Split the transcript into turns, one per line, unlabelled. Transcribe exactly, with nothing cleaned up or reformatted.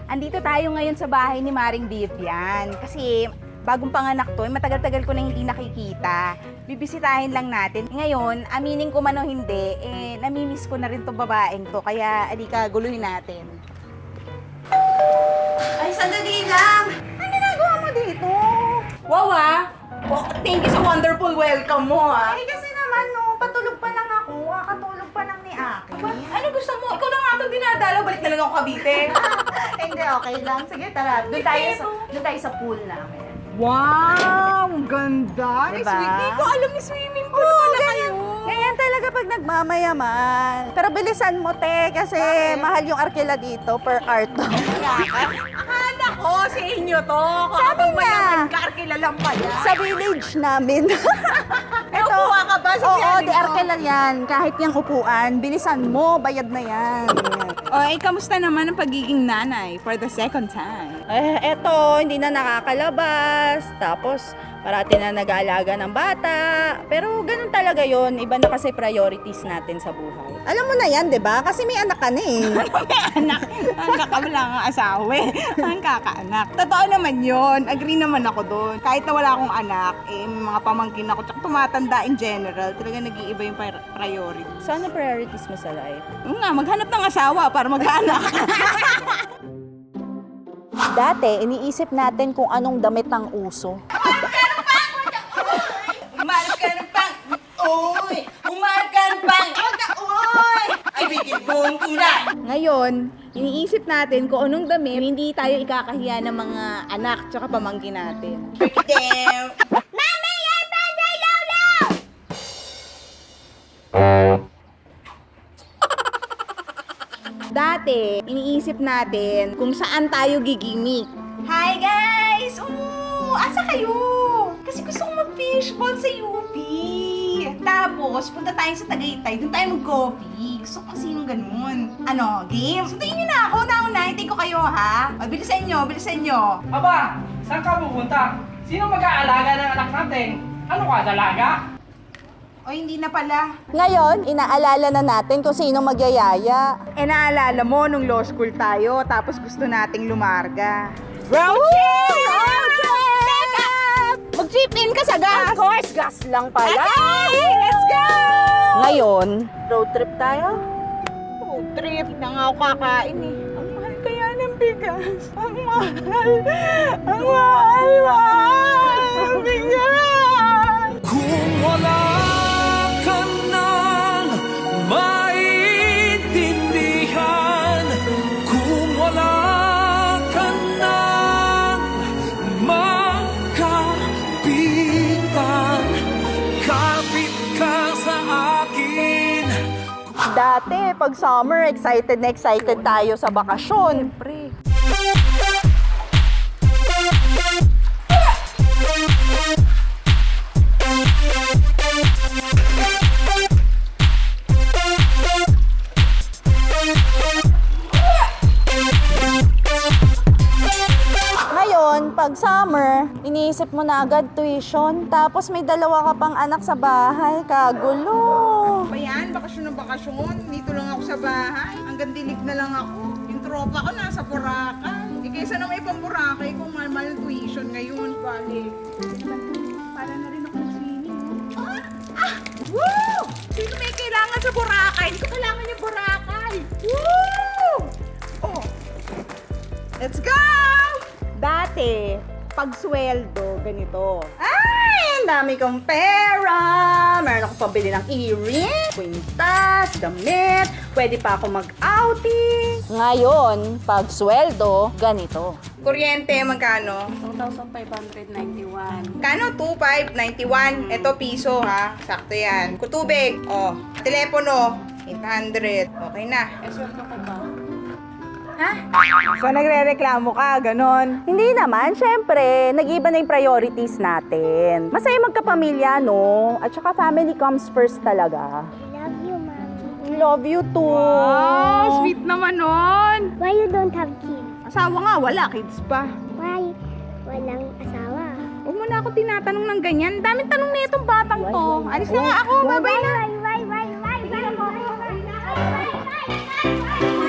Andito tayo ngayon sa bahay ni Maring Vivian kasi bagong panganak to, eh, matagal-tagal ko na hindi nakikita. Bibisitahin lang natin. Ngayon, aminin ko man o hindi, eh, namimiss ko na rin tong babaeng to, kaya alika, guluhin natin. Ay, sandali lang! Ano ginagawa mo dito? Wow ah! Oh, thank you sa wonderful welcome mo ah!
Eh kasi naman no, patulog pa lang ako, kakatulog pa lang ni Aki.
Aba, ano gusto mo? Ikaw na nga itong dinadalaw, balik na lang ako Cavite.
Eh, hindi, okay lang. Sige, tara. Doon tayo sa, doon tayo sa pool namin.
Wow! Ang ganda!
Diba?
Hindi ko alam ni swimming pool pala kayo.
Ganyan talaga pag nagmamayaman. Pero bilisan mo, te, kasi mahal yung arkila dito per karton.
Akala ko sa inyo to.
Sabi
Kapag
nga.
mayaman ka, arkila lang pala.
Sa village namin.
Eh, upuha ka ba sa
Oo,
piyanin
di
ko?
arkila yan. Kahit yung upuan, bilisan mo, bayad na yan.
O, eh, kamusta naman ang pagiging nanay for the second time?
Eh, eto, hindi na nakakalabas. Tapos, parati na nag-aalaga ng bata. Pero ganun talaga yon. Iba na kasi priorities natin sa buhay. Alam mo na yan, di ba? Kasi may anak ka na eh.
May anak. Ang kakawala nga asawa eh. Ang kakaanak. Totoo naman yon. Agree naman ako doon. Kahit na wala akong anak, eh, may mga pamangkin ako. Tsaka tumatanda in general. Talaga nag-iiba yung pri- priority.
So, ano priorities mo sa life?
Oo nga, maghanap ng asawa para mag-anak.
Dati, iniisip natin kung anong damit ang uso.
Umarap ka ng pang! Uy! Umarap ka ng pang! Uy! Ay, bigil buong kulay! Ngayon, iniisip natin kung anong damit hindi tayo ikakahiya ng mga anak tsaka pamangkin natin. Mami! Yan pa sa lawlaw! Dati, iniisip natin kung saan tayo gigimik. Hi guys! Oo! Asa kayo? Kasi gusto kong mag-fishball sa U P. Tapos, punta tayo sa Tagaytay. Doon tayo mag-coffee. Gusto ko kasi yung ganun. Ano, game? Sundayin niyo na ako. Nauna, hintay ko kayo ha. O, bilisan nyo, bilisan nyo.
Aba, saan ka pupunta? Sino mag-aalaga ng anak natin? Ano ka, dalaga?
O, hindi na pala.
Ngayon, inaalala na natin kung sino magyayaya.
Eh, naalala mo nung law school tayo, tapos gusto nating lumarga.
Road trip! Road trip!
Mag-chip in ka sa gas!
Of course, gas lang pala.
Okay, let's go!
Ngayon, road trip tayo?
Road trip. Hindi na nga ako kakain eh. Ang mahal kaya ng bigas. Ang mahal. Ang mahal, mahal. Ang bigas.
Kung wala ka nang maintindihan, kung wala ka nang magkapitan, kapit ka sa akin.
Dati, pag summer, excited na excited tayo sa bakasyon.
Pre.
Ngayon, pag summer, iniisip mo na agad tuition. Tapos may dalawa ka pang anak sa bahay. Kagulo.
Ba yan? Bakasyon na bakasyon. Dito lang ako sa bahay. Hanggang dilig na lang ako. Yung tropa ko nasa Boracay. Eh, kaysa na may pang Boracay kung mahal ng tuition ngayon. Balik. Para na rin ako mag-swimming. Ah! Ah! Woo! Sino may kailangan sa Boracay? Hindi ko kailangan yung Boracay. Woo! Oh. Let's go! Dati, pag sweldo, ganito. Ay, ang dami kong pera. Meron ako pabili ng earring, kwintas, damit. Pwede pa ako mag-outing.
Ngayon, pag sweldo, ganito.
Kuryente, magkano?
two thousand five hundred ninety-one.
Kano? two thousand five hundred ninety-one. Ito, piso ha. Sakto yan. Kutubig. Oh. Telepono. eight hundred. Okay na.
Esweldo ko ba?
Ha? So, nagre-reklamo ka, ganon.
Hindi naman, syempre, nag-iba na yung priorities natin. Masaya magkapamilya, no? At saka family comes first talaga.
Love you, Mommy.
Love you too.
Wow, sweet naman nun.
Why you don't have kids?
Asawa nga, wala. Kids pa.
Why walang asawa?
Huwag mo na ako tinatanong ng ganyan. Daming tanong na itong batang to. Alis na nga ako. Bye-bye na.
Why, why, why, why, why, why, why, why, why, why, why, why, why,